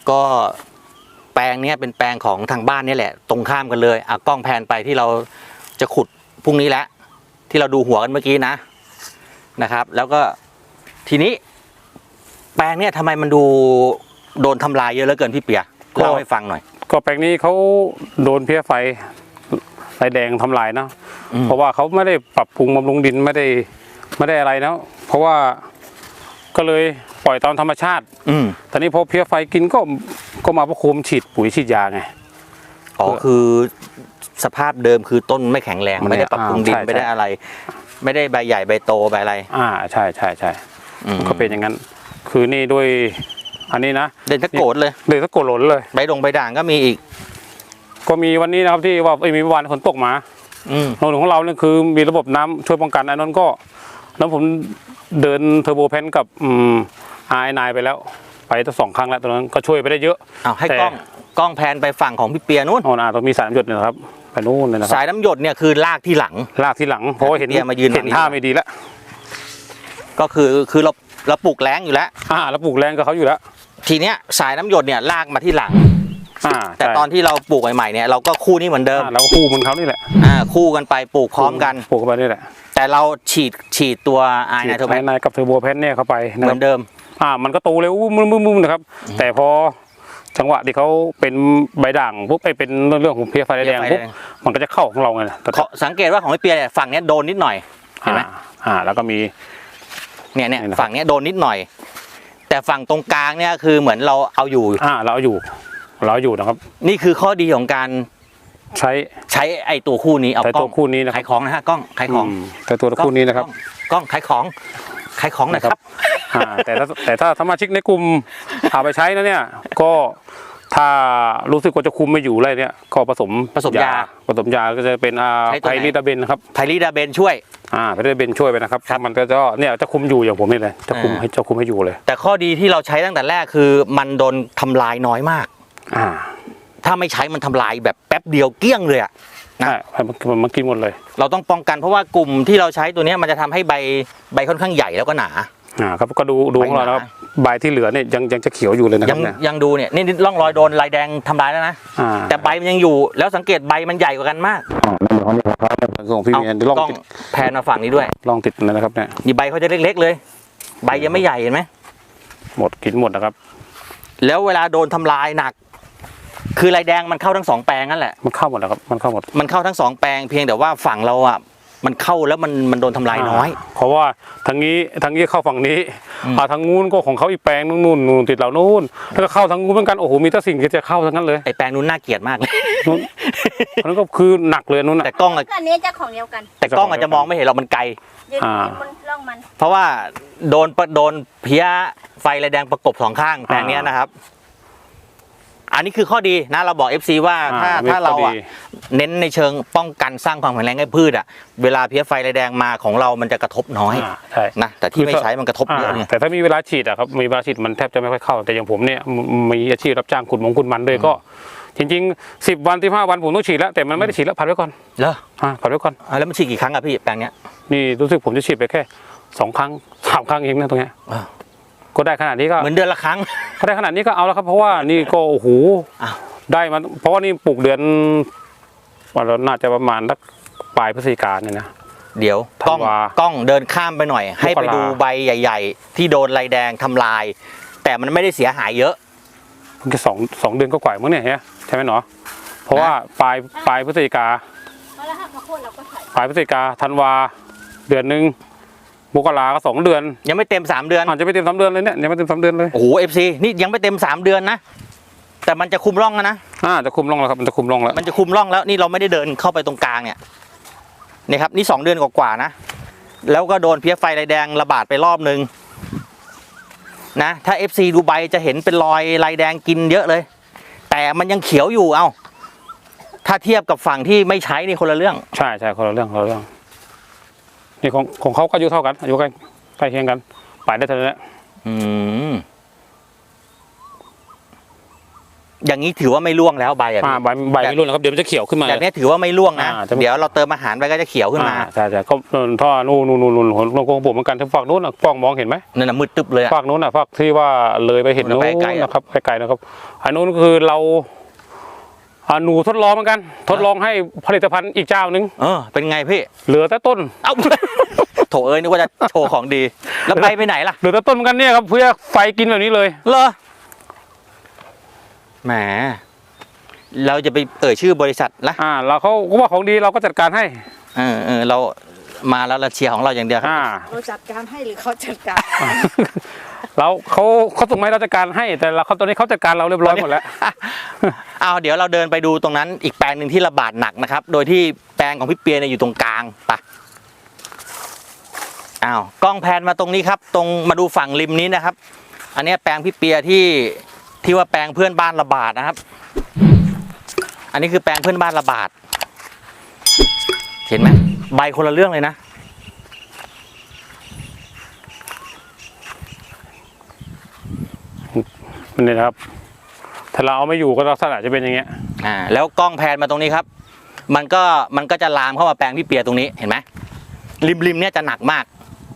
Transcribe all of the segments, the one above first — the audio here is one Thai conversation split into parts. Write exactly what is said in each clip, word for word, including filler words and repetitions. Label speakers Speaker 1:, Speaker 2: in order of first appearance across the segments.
Speaker 1: ก็แปลงเนี้ยเป็นแปลงของทางบ้านนี่แหละตรงข้ามกันเลยอ่ะกล้องแพนไปที่เราจะขุดพรุ่งนี้แล้วที่เราดูหัวกันเมื่อกี้นะนะครับ แล้วก็ทีนี้แปลงเนี้ยทำไมมันดูโดนทำลายเยอะเหลือเกินพี่เปียเล่าให้ฟังหน่อย
Speaker 2: ก็แปลงนี้เขาโดนเพี้ยไฟไฟแดงทำลายเนาะเพราะว่าเขาไม่ได้ปรับปรุงบำรุงดินไม่ได้ไม่ได้อะไรเนาะเพราะว่าก็เลยปล่อยตามธรรมชาติอืมตอนนี้พอเพี้ยไฟกินก็ก็มาประโคมฉีดปุ๋ยฉีดยาไง
Speaker 1: อ๋อคือสภาพเดิมคือต้นไม่แข็งแรงไม่ได้ปรับปรุงดินไม่ได้อะไรไม่ได้ใบใหญ่ใบโตใบอะไร
Speaker 2: อ่าใช่ใช่ใช่ก็เป็นอย่างนั้นคือนี่ด้วยอันนี้นะ
Speaker 1: เด่นตะโกดเลย
Speaker 2: เด่นตะโกดหล่นเลย
Speaker 1: ใบดงใบด่างก็มีอีก
Speaker 2: ก็มีวันนี้นะครับที่ว่ามีวันฝนตกมาโน่นของเราเนี่ยคือมีระบบน้ำช่วยป้องกันอันนั้นก็แล้วผมเดินเทอร์โบแพนกับอืมไอนายไปแล้วไปตั้งสองครั้งแล้วตอนนั้นก็ช่วยไปได้เยอะ
Speaker 1: อ้าวให้กล้องกล้องแพนไปฝั่งของพี่เปียนู้น
Speaker 2: อ๋ออ่าต้องมีสายน้ำหยดนะครับไปนู้นเลยนะครับ
Speaker 1: สายน้ำหยดเนี่ยคือลากที่หลัง
Speaker 2: ลากที่หลังเพราะเห็น
Speaker 1: มายืน
Speaker 2: เห็นท่าไม่ดีแล้ว
Speaker 1: ก็คือคือเราเราปลูกแรงอยู่แล้ว
Speaker 2: อ่าเราปลูกแรงกับเขาอยู่แล้ว
Speaker 1: ทีเนี้ยสายน้ำหยดเนี่ยลากมาที่หลัง
Speaker 2: อ่า
Speaker 1: แต่ตอนที่เราปลูกใหม่ๆเนี่ยเราก็คู่นี้เหมือนเดิม
Speaker 2: เราก็คู่เหมือนเขานี่แหละ
Speaker 1: อ่าคู่กันไปปลูกพร้อมกัน
Speaker 2: ปลูกกันไปนี่แหละ
Speaker 1: แต่เราฉีดฉีดตัวไอไนโตรแพน
Speaker 2: กับเทอร์โบแพนเนี่ยเข้าไป
Speaker 1: เหมือนเดิม
Speaker 2: อ่ามันก็โตเร็วมึมๆนะครับแต่พอจังหวะที่เขาเป็นใบด่างปุ๊บไอเป็นเรื่องของเพี้ยไฟแดงปุ๊บมันก็จะเข้าของเราไง
Speaker 1: สังเกตว่าของพี่เปียเนี่ยฝั่งนี้โดนนิดหน่อยเห็นไหม
Speaker 2: อ่าแล้วก็มี
Speaker 1: เนี่ยเนี่ยฝั่งนี้โดนนิดหน่อยแต่ฝั่งตรงกลางเนี่ยคือเหมือนเราเอาอยู่
Speaker 2: อ่าเราเอาอยู่เราอยู่นะครับ
Speaker 1: นี่คือข้อดีของการ
Speaker 2: ใช้
Speaker 1: ใช้ไอตัวคู่นี้เอา
Speaker 2: กล้องคู่นี้นะ
Speaker 1: ขายของนะฮะกล้องขายของ
Speaker 2: แต่ตัวคู่นี้นะครับ
Speaker 1: กล้องขายของขายของนะครับ
Speaker 2: แต่ถ้าแต่ถ้าสมาชิกในกลุ่มเอาไปใช้นะเนี่ยก็ถ้ารู้สึกว่าจะคุมไม่อยู่อะไรเนี่ยก็ผสม
Speaker 1: ผสมยา
Speaker 2: ผสมยาก็จะเป็นไพลิดาเบนครับ
Speaker 1: ไพลิดาเบนช่วย
Speaker 2: อ่าไพลิดาเบนช่วยไปนะครับมันก็จะเนี่ยจะคุมอยู่อย่างผมนี่เลยจะคุมให้จะคุมให้อยู่เลย
Speaker 1: แต่ข้อดีที่เราใช้ตั้งแต่แรกคือมันโดนทำลายน้อยมาก
Speaker 2: อ่า
Speaker 1: ถ้าไม่ใช้มันทำลายแบบแป๊บเดียวเกลี้ยงเลยอ่ะ
Speaker 2: นะมันมันกินหมดเลย
Speaker 1: เราต้องป้องกันเพราะว่ากลุ่มที่เราใช้ตัวนี้มันจะทำให้ใบใบค่อนข้างใหญ่แล้วก็หนา
Speaker 2: อ่าครับก็ดูดูของเราครับใบที่เหลือเนี่ยยังยังจะเขียวอยู่เลยนะครับ
Speaker 1: ยังยังดูเนี่ยนี่ร่องรอยโดนลายแดงทำลายแล้วนะแต่ใบมันยังอยู่แล้วสังเกตใบมันใหญ่กว่ากันมาก
Speaker 2: อ๋อนั่นเหมือนเขาเนี่ยครับส่งพี่เมียนลองติด
Speaker 1: แพนมาฝั่งนี้ด้วย
Speaker 2: ลองติดนะครับเนี่ย
Speaker 1: นี่ใบเขาจะเล็กๆเลยใบยังไม่ใหญ่เห็นไหม
Speaker 2: หมดกินหมดนะครับ
Speaker 1: แล้วเวลาโดนทำลายหนักคือลายแดงมันเข้าทั้งสองแปลงนั่นแหละ
Speaker 2: มันเข้าหมดแล้วครับมันเข้าหมด
Speaker 1: มันเข้าทั้งสองแปลงเพียงแต่ว่าฝั่งเราอ่ะมันเข้าแล้วมันมันโดนทำลายน้อย
Speaker 2: เพราะว่าทางนี้ทางนี้เข้าฝั่งนี้อ่าทางนู้นก็ของเขาอีกแปลงนู่นนู่นติดเหล่านู้นแล้วก็เข้าทางนู้นเหมือนกันโอ้โหมีแต่สิ่งที่จะเข้าทั้งนั้นเลย
Speaker 1: ไอแปลงนู้นน่าเกลียดมากเลย
Speaker 2: นั่นก็คือหนักเลยนู้น
Speaker 1: แต่กล้อง
Speaker 3: อันนี้เจ้าของเดียวกัน
Speaker 1: แต่กล้องอาจจะมองไม่เห็นเรามันไกลเพราะว่าโดนโดนเพี้ยไฟลายแดงประกบสองข้างแปลงนี้นะครับอันนี้คือข้อดีนะเราบอก เอฟ ซี ว่าถ้าถ้าเราอ่ะเน้นในเชิงป้องกันสร้างความแข็งแรงให้พืชอ่ะเวลาเพี้ยไฟลายแดงมาของเรามันจะกระทบน้อยนะแต่ที่ไม่ใช้มันกระทบเยอะเนี่ย
Speaker 2: แต่ถ้ามีเวลาฉีดอ่ะครับมีเวลาฉีดมันแทบจะไม่ค่อยเข้าแต่อย่างผมเนี่ยมีอาชีพรับจ้างขุดมงขุดมันด้วยก็จริงๆสิบวันที่ห้าวันผมต้องฉีดแล้วแต่มันไม่ได้ฉีดแล้วผัดไว้ก่อน
Speaker 1: เหรอ
Speaker 2: อ่าผัดไว้ก่อน
Speaker 1: แล้วมันฉีดกี่ครั้งอะพี่แปลงเนี้ย
Speaker 2: นี่รู้สึกผมจะฉีดไปแค่สองครั้งสามครั้งเองนะตรงเนี้ยก็ได้ขนาดนี้ก็
Speaker 1: เหมือนเดือนละครั้ง
Speaker 2: ถ้าได้ขนาดนี้ก็เอาแล้วครับเพราะว่านี่ก็โอ้โหได้มาเพราะว่านี่ปลูกเดือนวันเราน่าจะประมาณสักปลายพฤศจิกายนเนี่ยนะ
Speaker 1: เดี๋ยวกล้องกล้องเดินข้ามไปหน่อยให้ไปดูใบใหญ่ๆที่โดนลายแดงทำลายแต่มันไม่ได้เสียหายเยอะ
Speaker 2: เพิ่งแค่สองสองเดือนก็กว่ามั้งเนี่ยใช่ไหมเนาะเพราะว่าปลายปลายพฤศจิกาปลายพฤศจิกาธันวาเดือนหนึ่งมกราก็สองเดือน
Speaker 1: ยังไม่เต็มสามเดือน
Speaker 2: อาจจะไม่เต็มสามเดือนเลยเนี่ยยังไม่เต็มสามเดือนเลย
Speaker 1: โอ้โหเอฟซีนี่ยังไม่เต็มสามเดือนนะแต่มันจะคุมร่องแล้วนะ
Speaker 2: อ่าจะคุมร่องแล้วครับมันจะคุมร่องแล้ว
Speaker 1: มันจะคุมร่องแล้วนี่เราไม่ได้เดินเข้าไปตรงกลางเนี่ยนี่ครับนี่สองเดือนกว่าๆนะแล้วก็โดนเพี้ยไฟลายแดงระบาดไปรอบนึงนะถ้า เอฟ ซี ดูใบจะเห็นเป็นรอยลายแดงกินเยอะเลยแต่มันยังเขียวอยู่เอ้าถ้าเทียบกับฝั่งที่ไม่ใช้นี่คนละเรื่อง
Speaker 2: ใช่ใช่คนละเรื่องคนละเรื่องนี่ของของเขาก็อายุเท่ากันอายุใกล้ใกล้เคียงกันไปได้เท่านั้นแหละ
Speaker 1: อืมอย่างนี้ถือว่าไม่ร่วงแล้วใบอ่ะ
Speaker 2: อ่าใบใบไม่ร่วงนะครับเดี๋ยวมันจะเขียวขึ้นมา
Speaker 1: แบบนี้ถือว่าไม่ร่วงนะ
Speaker 2: อ่าจะ
Speaker 1: เดี๋ยวเราเติมอาหารไปก็จะเขียวขึ้นมา
Speaker 2: อ่าใช่ใช่ก็ท่อนู่นนู่นนู่นนู่นของของผมเหมือนกันทั้งฝั่งนู้นน่ะป้องมองเห็นไหม
Speaker 1: นั่นน่ะมืดตึ๊บเลยอะ
Speaker 2: ฝั่งนู้นน่ะฝั่งที่ว่าเลยไปเห็น
Speaker 1: นู่
Speaker 2: นู้
Speaker 1: น
Speaker 2: น
Speaker 1: ไปไกลๆอะ
Speaker 2: นะครับไกลๆนะครับอันนู้นคือเราอ่าหนูทดลองเหมือนกัน ทดลองให้ผลิตภัณฑ์อีกเจ้านึง
Speaker 1: เออเป็นไงพี่
Speaker 2: เหลือแต่ต้น
Speaker 1: เอ้า โถเอ้ยนึกว่าจะโชว์ของดี แล้วไปไปไหนล่ะ
Speaker 2: เหลือแต่ต้นเหมือนกันเนี่ยครับเพื่อไฟกินแบบนี้เลย
Speaker 1: เหรอแหมเราจะไปเอ่ยชื่อบริษัทละ
Speaker 2: อ่าเราเขาก็ว่าของดีเราก็จัดการให้
Speaker 1: เออเออเรามาแล้วเราเชียร์ของเราอย่างเดียวครับ
Speaker 2: อ่า
Speaker 3: เราจัดการให้หรือเขาจัดการ
Speaker 2: เราเขาเขาส่งมาให้เราจัดการให้แต่เราเขาตอนนี้เขาจัดการเราเรียบร้อยหมดแล้ว
Speaker 1: เอาเดี๋ยวเราเดินไปดูตรงนั้นอีกแปลงหนึ่งที่ระบาดหนักนะครับ โดยที่แปลงของพี่เปียเนี่ยอยู่ตรงกลางไปะอ้าวกล้องแพนมาตรงนี้ครับ ตรงมาดูฝั่งริมนี้นะครับ อันเนี้ยแปลงพี่เปียที่ที่ว่าแปลงเพื่อนบ้านระบาดนะครับ อันนี้คือแปลงเพื่อนบ้านระบาด เห็นไหมใบคนละเรื่องเลยนะ
Speaker 2: นี่นะครับถ้าเราเอาไม่อยู่ก็ลักษณะจะเป็นอย่างเงี้ย
Speaker 1: อ่าแล้วกล้องแพนมาตรงนี้ครับ มันก็มันก็จะลามเข้ามาแปลงพี่เปียตรงนี้เห็นไหมริมริมเนี่ยจะหนักมาก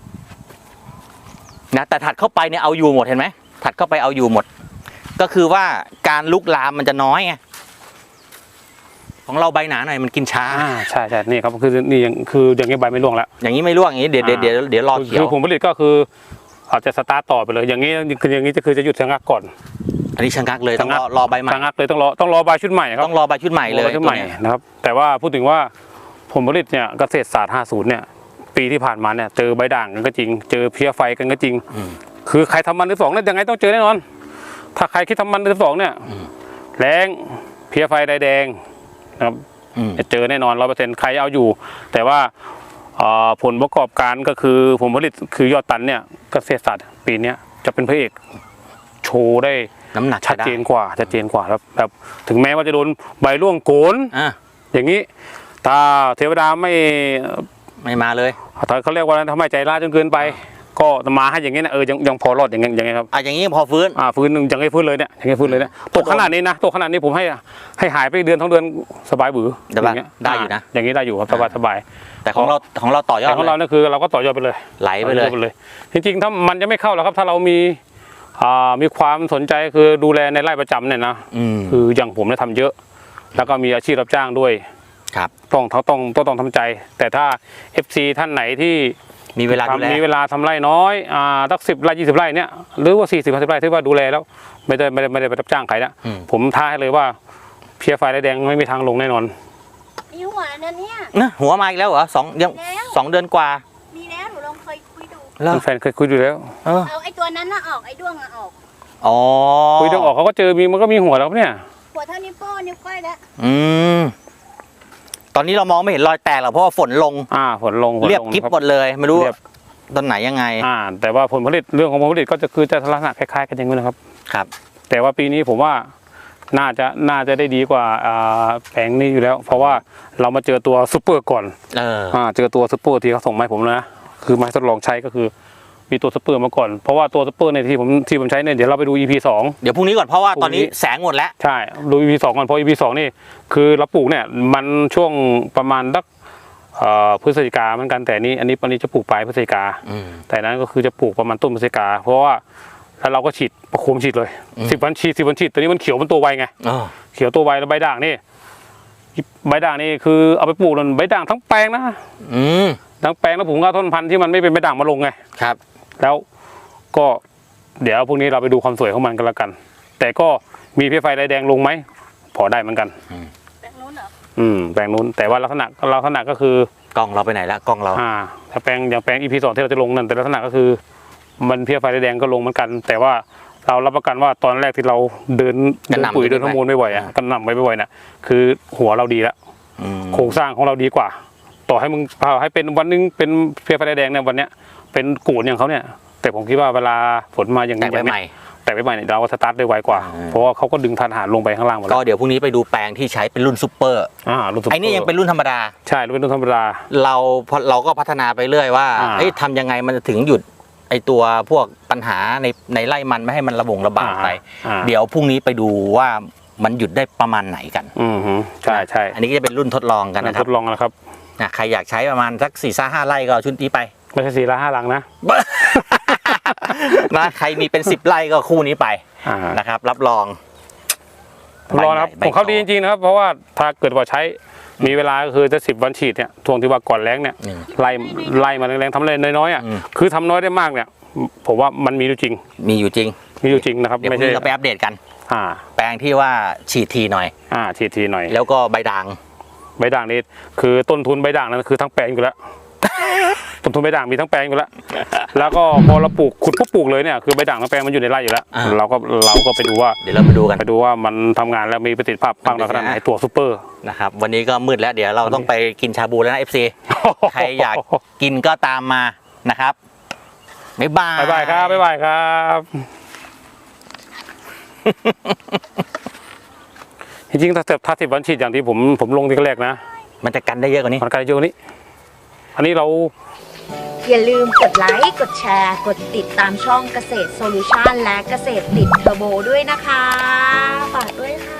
Speaker 1: นะแต่ถัดเข้าไปเนี่ยเอาอยู่หมดเห็นไหมถัดเข้าไปเอาอยู่หมด ก็คือว่าการลุกลามมันจะน้อยไงของเราใบหนาหน่อยมันกินช้า
Speaker 2: อ่าใช่ใช่นี่ครับคือนี่ยังคืออย่างเงี้ยใบไม่ร่วงแล้ว
Speaker 1: อย่างนี้ไม่ร่วงอย่างนี้เดี๋ยวเดี๋ยวเดี๋ยวเดี๋ยวรอเขีย
Speaker 2: คื
Speaker 1: ว
Speaker 2: อผลผลิตก็คืออาจจะสตาร์ทต่อไปเลย อย่างนี้คืออย่างนี้จะคือจะหยุดชะงักก่อน
Speaker 1: อันนี้ชะงักเลยต้องรอ
Speaker 2: ชะงัก
Speaker 1: รอใบใหม่
Speaker 2: ชะงักเลยต้องรอต้องรอใบชุดใหม่ครับ
Speaker 1: ต้องรอใบชุดใหม่เลย
Speaker 2: รอใบชุดใหม่
Speaker 1: ตัวนี้
Speaker 2: นะครับแต่ว่าพูดถึงว่าผลผลิตเนี่ยเกษตรศาสตร์ห้าสิบเนี่ยปีที่ผ่านมาเนี่ยเจอใบด่างกันก็จริง เจอเพี้ยไฟกันก็จริง
Speaker 1: อืม
Speaker 2: คือใครทำมันหรือสองเนี่ยยังไงต้องเจอแน่นอน ถ้าใครคิดทำมันหรือสองเนี่ย
Speaker 1: อืม
Speaker 2: แรงเพี้ยไฟใดแดงนะครับ
Speaker 1: อืม
Speaker 2: จะเจอแน่นอนร้อยเปอร์เซ็นต์ใครเอาอยู่ แต่ว่าเอ่อผลประกอบการก็คือผลผลิตคือยอดตันเนี่ยเกษตรศาสตร์ปีเนี้ยจะเป็นพระเอกโชว์ได้
Speaker 1: น้ำหนัก
Speaker 2: ชัด
Speaker 1: จะไ
Speaker 2: เจนกว่าชัดเจนกว่าครับแบบถึงแม้ว่าจะโดนใบร่วงโกน
Speaker 1: อ่ะ
Speaker 2: อย่างนี้ถ้าเทวดาไม่
Speaker 1: ไม่มาเลย
Speaker 2: เขาเรียกว่าทำให้ใจร้ายจนเกินไป ก็มาให้อย่างนี้นะเออยังยังพอรอดอย่างเงี้ยอย่างเงี้ยครับ
Speaker 1: อ่ะอย่างนี้พอฟื้น
Speaker 2: อ่าฟื้นยังไม่ฟื้นเลยเนี่ยยังไม่ฟื้นเลยเนี่ยตกขนาดนี้นะตกขนาดนี้ผมให้ให้หายไปเดือนท้องเดือนสบายบือ
Speaker 1: ได้
Speaker 2: อย่างเงี้ย
Speaker 1: ได้อยู่นะ
Speaker 2: อย่างนี้ได้อยู่ครับสบายสบาย
Speaker 1: แต่ของเราของเราต่อยอ
Speaker 2: แต่
Speaker 1: ด
Speaker 2: ของเรา
Speaker 1: เลย
Speaker 2: เนี่ยคือเราก็ต่อยอดไปเลย
Speaker 1: ไหลไปเลย
Speaker 2: ต่อยอดเลย จริงๆถ้ามันจะไม่เข้าหรอกครับถ้าเรามีอ่ามีความสนใจคือดูแลในไร่ประจำเนี่ยนะ
Speaker 1: อืม
Speaker 2: คืออย่างผมเนี่ยทำเยอะ แล้วก็มีอาชีพรับจ้างด้วย
Speaker 1: ครับ
Speaker 2: ต้องต้องต้องต้องต้องทำใจ แต่ถ้า เอฟ ซี ท่านไหนที่
Speaker 1: มีเวลาดูแล
Speaker 2: ทำมีเวลาทำไร่น้อยอ่าสักสิบไร่ยี่สิบไร่เนี่ยหรือว่าสี่สิบห้าสิบไร่ที่ว่าดูแลแล้วไม่ได้ไม่ได้ไม่ได้ไปรับจ้างใครนะ
Speaker 1: อืม
Speaker 2: ผมท้าให้เลยว่าเพี้ยไฟแดงไม่มีทางลงแน่นอน
Speaker 3: มีหัวแล้วเนี่ย
Speaker 1: นะหัวมาอีกแล้วเหรอสองยัง
Speaker 3: แล้ว
Speaker 1: สองเดือนกว่า
Speaker 3: มีแล้วหนูลองเคยคุยดู
Speaker 1: แล้ว
Speaker 2: แฟนเคยคุยดูแล้ว
Speaker 1: เออ
Speaker 3: เอาไอ้ตัวนั้นน่ะออกไอ้ด้วงน่ะออก
Speaker 1: อ๋อ
Speaker 2: คุยต้องออกเขาก็เจอมีมันก็มีหัวแล้วครับเนี่ย
Speaker 3: หัวเท่านิ้วโป้งนิ้วก้อยแล้ว
Speaker 1: อืมตอนนี้เรามองไม่เห็นรอยแตกหรอกเพราะว่าฝนลง
Speaker 2: อ่าฝนลงฝนลง
Speaker 1: เรียบกริบ
Speaker 2: ครั
Speaker 1: หมดเลยไม่รู้
Speaker 2: เรียบ
Speaker 1: ตอนไหนยังไง
Speaker 2: อ่า แต่ว่าผลผลิตเรื่องของผลผลิตก็จะคือจะลักษณะคล้ายๆกันอย่างนี้นะครับ
Speaker 1: ครับ
Speaker 2: แต่ว่าปีนี้ผมว่าน่าจะน่าจะได้ดีกว่าอ่าแผงนี้อยู่แล้ว เพราะว่าเรามาเจอตัวซูเปอร์ก่อน
Speaker 1: เออ
Speaker 2: อ่าเจอตัวซูเปอร์ที่เขาส่งมาให้ผมนะคือมาให้ทดลองใช้ก็คือมีตัวซูเปอร์มาก่อนเพราะว่าตัวซูเปอร์ในยที่ผมที่ผมใช้เนี่ยเดี๋ยวเราไปดู อี พี สอง
Speaker 1: เดี๋ยวพรุ่งนี้ก่อนเพราะว่าตอนนี้
Speaker 2: พรุ่งนี้
Speaker 1: แสงหมดแล้ว
Speaker 2: ใช่ดู อี พี สองก่อนเพราะ อี พี สองนี่คือเราปลูกเนี่ยมันช่วงประมาณสักเอ่อพฤศจิกาเหมือนกันแต่นี้อันนี้ปันนี้จะปลูกปลายพฤศจิกา
Speaker 1: อืม
Speaker 2: แต่นั้นก็คือจะปลูกประมาณต้นพฤศจิกาเพราะว่าแล้วเราก็ฉีดประโคมฉีดเลย
Speaker 1: อืม
Speaker 2: สิบวันฉีดสิบวันฉีดตัวนี้มันเขียวมันตัวไวไง
Speaker 1: เออ
Speaker 2: เขียวตัวไวแล้วใบด่างนี่ใบด่างนี่คือเอาไปปลูกนั่นใบด่างทั้งแปลงนะ
Speaker 1: อืม
Speaker 2: ทั้งแปลงแล้วผมก็เอาต้นพันธุ์ที่มันไม่เป็นใบด่างมาลงไง
Speaker 1: ครับ
Speaker 2: แล้วก็เดี๋ยวพรุ่งนี้เราไปดูความสวยของมันกันแล้วกัน แต่ก็มีเพี้ยไฟลายแดงลงไหมพอได้เหมือนกัน
Speaker 3: แบบนู้นเหรอ
Speaker 2: อืมแปลงนู้นแต่ว่าลักษณะลักษณะก็คือก
Speaker 1: ล้องเราไปไหนละกล้องเรา
Speaker 2: อ่าถ้าแปลงอย่างแปลง อี พี สองที่เราจะลงนั่นแต่ลักษณะก็คือ มันเพี้ยไฟลายแดงก็ลงเหมือนกัน แต่ว่าเรารับประกันว่าตอนแรกที่เราเดินเดินปุ๋ยเดินฮอร์โมนไม่บ่อยอ่ะกันนำไปไม่บ่อยน่ะคือหัวเราดีแล้ว
Speaker 1: อืม
Speaker 2: โครงสร้างของเราดีกว่า ต่อให้มึงพาให้เป็นวันหนึงเป็นเพี้ยไฟลายแดงเนี่ยวันเนี้ยเป็นกูนอย่างเขาเนี่ย แต่ผมคิดว่าเวลาฝนมาอย่าง
Speaker 1: แต่
Speaker 2: นี้
Speaker 1: ไป
Speaker 2: อย่าง
Speaker 1: ให
Speaker 2: เนี้
Speaker 1: ม่
Speaker 2: ยแต่ไปใหม่เนี่ยเราก็สตาร์ทได้ไวกว่า
Speaker 1: อ่า
Speaker 2: เพราะว่าเขาก็ดึงทานอาหารลงไปข้างล่างหมด
Speaker 1: ก็
Speaker 2: แล้ว
Speaker 1: เดี๋ยวพรุ่งนี้ไปดูแปลงที่ใช้เป็นรุ่นซูเปอร์
Speaker 2: อ่ารุ่นซุปเปอ
Speaker 1: ไอ้นี่ยังเป็นรุ่นธรรมดา
Speaker 2: ใช่รุ่นธรรมดา
Speaker 1: เราพอเราก็พัฒนาไปเรื่อยว่า
Speaker 2: อ่า
Speaker 1: เอ้ยทำยังไงมันจะถึงหยุดไอตัวพวกปัญหาในในไร่มันไม่ให้มันระบงระบาดไป
Speaker 2: อ่า
Speaker 1: เดี๋ยวพรุ่งนี้ไปดูว่ามันหยุดได้ประมาณไหนกัน
Speaker 2: อืมฮึใช่ใช่
Speaker 1: อันนี้ก็จะเป็นรุ่นทดลองกันนะค
Speaker 2: ท
Speaker 1: รับ
Speaker 2: ดลองนะครับ
Speaker 1: นะใครอยากใช้ประมาณสักสี่ซ่าห้าไร่ก็เอาชุดนี้ไป
Speaker 2: ไม่ใช่สี่ละห้าหลังนะ
Speaker 1: นะใครมีเป็นสิบไร่ก็คู่นี้ไป
Speaker 2: อ่า
Speaker 1: นะครับ รับรอง
Speaker 2: ทดลองนะครับ
Speaker 1: ใบ
Speaker 2: ของเขา
Speaker 1: โต
Speaker 2: ดีจริงๆนะครับ เพราะว่าถ้าเกิดว่าใช้มีเวลาก็คือจะสิบวันฉีดเนี่ยทวงที่ว่าก่อนแรงเนี่ย
Speaker 1: อืม
Speaker 2: ไล่ไล่มาแรงๆทำอะไรน้อยๆอ่ะ
Speaker 1: อืม
Speaker 2: คือทำน้อยได้มากเนี่ยผมว่ามันมีอยู่จริง
Speaker 1: มีอยู่จริง
Speaker 2: มีอยู่จริงนะครับ
Speaker 1: เดี๋ยวพ
Speaker 2: ไม่
Speaker 1: รุ่ง
Speaker 2: ใช่
Speaker 1: นี้เราไปอัปเดตกัน
Speaker 2: อ่า
Speaker 1: แปลงที่ว่าฉีดทีหน่อย
Speaker 2: อ่าฉีดทีหน่อย
Speaker 1: แล้วก็ใบด่าง
Speaker 2: ใบด่างนี่คือต้นทุนใบด่างนั้นคือทั้งแปลงอยู่แล้ว ต้นทุนใบด่างมีทั้งแปลงอยู่แล้ว แล้วก็พอเราปลูกขุดปุ๊บปลูกเลยเนี่ยคือใบด่างทั้งแปลงมันอยู่ในไร่อยู่แล้ว
Speaker 1: อ่า
Speaker 2: เราก็เราก็ไปดูว่า
Speaker 1: เดี๋ยวเราไปดูกัน
Speaker 2: ไปดูว่ามันทำงานแล้วมีประสิทธิภาพมากน้อยขนาดไหนตัวซูเปอร์
Speaker 1: นะครับวันนี้ก็มืดแล้วเดี๋ยวเราต้องไปกินชาบูแล้วนะ เอฟ ซี ใครอยากกินก็ตามมานะครับบ๊ายบาย
Speaker 2: บ๊ายบายครับบ๊ายบายครับ จริงๆถ้าถ้าสิบวันฉีดอย่างที่ผมผมลงที่แรกนะ
Speaker 1: มันจะกันได้เยอะกว่านี้
Speaker 2: มันไกลเยอะกว่านี้ อันนี้เรา
Speaker 3: อย่าลืมกดไลค์ กดแชร์ กดติดตามช่องเกษตรโซลูชันและเกษตรติดเทอร์โบด้วยนะคะ ฝากด้วยค่ะ